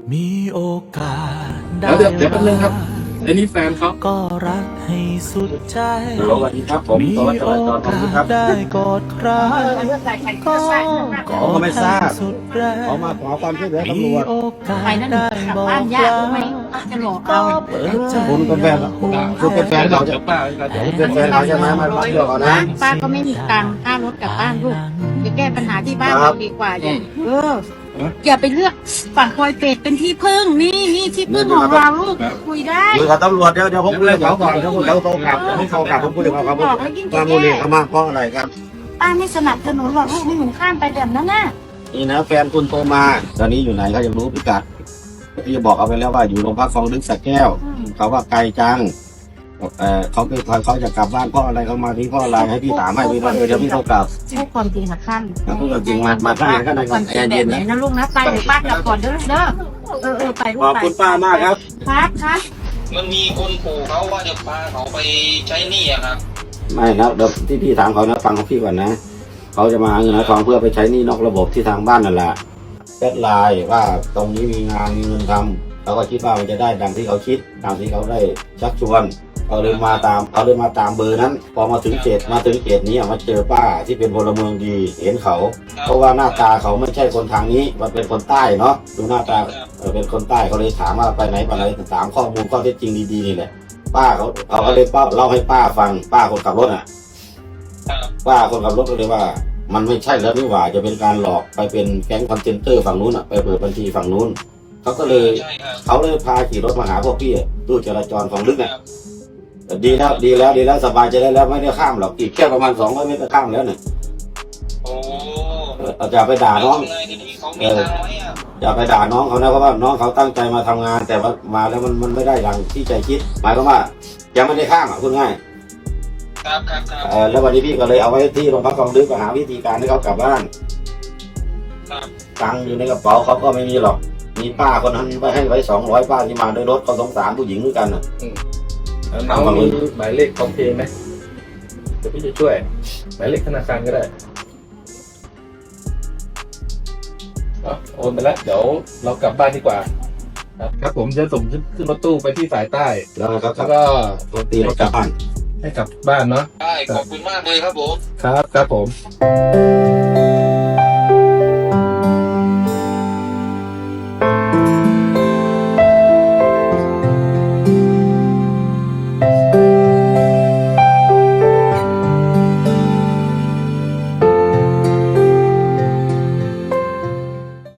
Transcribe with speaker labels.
Speaker 1: มีโอกาสได้
Speaker 2: เดี๋ยวแป๊บนึงครับไอ้นี่แฟนเขา
Speaker 1: ก็รักให้สุดใจ
Speaker 2: สวัสดีครับผม
Speaker 1: มี
Speaker 2: สวัส
Speaker 1: โอ
Speaker 2: ดีครับ
Speaker 1: กาสได้กอดใครก็กอดให้สุดแรง
Speaker 3: เขามาขอความช่วยเหลือ
Speaker 1: มี
Speaker 3: ตำรวจ
Speaker 1: โอกา
Speaker 4: ไป
Speaker 1: ส
Speaker 4: นั่น
Speaker 1: ได้
Speaker 4: กลับ
Speaker 1: บอก
Speaker 4: บ้านยาก
Speaker 1: ลา
Speaker 4: ไหมจะหลอก
Speaker 1: ก็
Speaker 4: เอา
Speaker 1: เปิดใจ
Speaker 3: คุณเป็นแฟนเหรอ คุณเป็นแฟนเขา
Speaker 2: เดี๋ยวป้าเดี๋ยว
Speaker 3: เป็นแฟนเขาใช่ไหมมารับเรื่องก่อนนะ
Speaker 4: ป้าก็ไม่มีตังค์ค่ารถกลับบ้านลูกจะแก้ปัญหาที่บ้าน
Speaker 3: ครั
Speaker 4: เรา
Speaker 3: บ
Speaker 4: ดีกว่าอย่าไปเลือกฝั่งปอยเป็ดเป็นที่พึ่งนี่ที่พึ่งของเราลูกคุยได้
Speaker 3: คุยกับตำรวจเดี๋ยวผมคุยกับเขาก่อนเดี๋ยวเขาโทรกลับผมโทรกลับผมคุยกับเขาครับว่ามูลนิธิเขามาเพราะอะไรครับ
Speaker 4: ป้าไม่สนับสนุนหรอกลูกไม่หมุนข้ามไปแบบนั้นน่ะ
Speaker 3: นี่นะแฟนคุณโทรมาตอนนี้อยู่ไหนเขาอยากรู้พิกัดพี่บอกเอาไปแล้วว่าอยู่โรงพักคลองลึกสระแก้วเขาว่าไกลจังเขาจะกลับบ้านเพราะอะไรเขามาที่เพราะอะไรให้พี่ถามให้พี่เดี๋ยวพี่โทรกลับ
Speaker 4: พูดความจริงค่ะท่าน
Speaker 3: พูดจริงมาข้างไหนก็ได้ก่อนใจเย็น
Speaker 4: ไหน
Speaker 3: นะ
Speaker 4: นะลูกนะไปเดี๋ยวป้ากลับก่อนเด้อไปลูก
Speaker 3: ขอบ
Speaker 4: ไป
Speaker 3: คุณป้ามากครับ
Speaker 4: ครับ
Speaker 5: มันมีคนขู่เขาว่าจะพาเขาไปใช้หนี้อะครับ
Speaker 3: ไม่นะเดี๋ยวที่พี่ถามเขานะฟังของพี่ก่อนนะเขาจะมาหาเงินหาทองเพื่อไปใช้หนี้นอกระบบที่ทางบ้านนั่นแหละแชทไลน์ว่าตรงนี้มีงานมีเงินทำเขาก็คิดว่ามันจะได้ดังที่เขาคิดตามที่เขาได้ชักชวนเขาเลยมาตามเบอร์นั้น พอมาถึงเขตนี้มาเจอป้าที่เป็นพลเมืองดีเห็นเขา เพราะว่าหน้าตาเขาไม่ใช่คนทางนี้มันเป็นคนใต้เนาะดูหน้าตาเป็นคนใต้เขาเลยถามว่าไปไหนถามข้อมูลข้อเท็จจริงดีๆนี่แหละป้าเขาก็เลยเล่าให้ป้าฟังป้าคนขับรถอ่ะ ป้าคนขับรถก็เลยว่ามันไม่ใช่แล้วนี่หว่าจะเป็นการหลอกไปเป็นแก๊งคอนเทนเตอร์ฝั่งนู้นอ่ะไปเปิดบัญชีฝั่งนู้นเขาก็เลย
Speaker 5: ใช่ครับ
Speaker 3: เขาเลยพาขี่รถมาหาพวกพี่ตู้จราจรของลึกอ่ะดีแล้วสบายใจได้แล้วไม่ได้ข้ามหรอกอีกแค่ประมาณ200 เมตรก็ข้ามแล้วเนี่ย
Speaker 5: โอ้
Speaker 3: อย่าไปด่าน้อง
Speaker 5: ไงทีนี้เขามีตังค์ไหมอะ
Speaker 3: อย่าไปด่าน้องเขานะเพราะว่าน้องเขาตั้งใจมาทำงาน แต่ว่ามาแล้วมันไม่ได้อย่างที่ใจคิดหมายความว่ายังไม่ได้ข้ามอ่ะพูดง่าย
Speaker 5: ครับ
Speaker 3: แล้ววันนี้พี่ก็เลยเอาไว้ที่โรงพักคลองลึกก็หาวิธีการให้เขากลับบ้าน
Speaker 5: ครับ
Speaker 3: ตังค์อยู่ในกระเป๋าเขาก็ไม่มีหรอก มีป้าคนนั้นไปให้ไว้200ป้าที่มาด้วยรถเขาสงสารผู้หญิงด้วยกันน่ะ
Speaker 2: น้องมีหมายเลขของเพย์ไหมเดี๋ยวพี่จะช่วยหมายเลขธนาคารก็ได้โอนไปแล้วเดี๋ยวเรากลับบ้านดีกว่า ครับผมจะส่งขึ้นรถตู้ไปที่สายใต้
Speaker 3: แล้วเขา
Speaker 2: แล้วก็
Speaker 3: รถตีรถกลับบ้าน
Speaker 2: ให้กลับบ้านเนาะ
Speaker 5: ได้ขอบคุณมากเลยครับผม
Speaker 2: ครับผม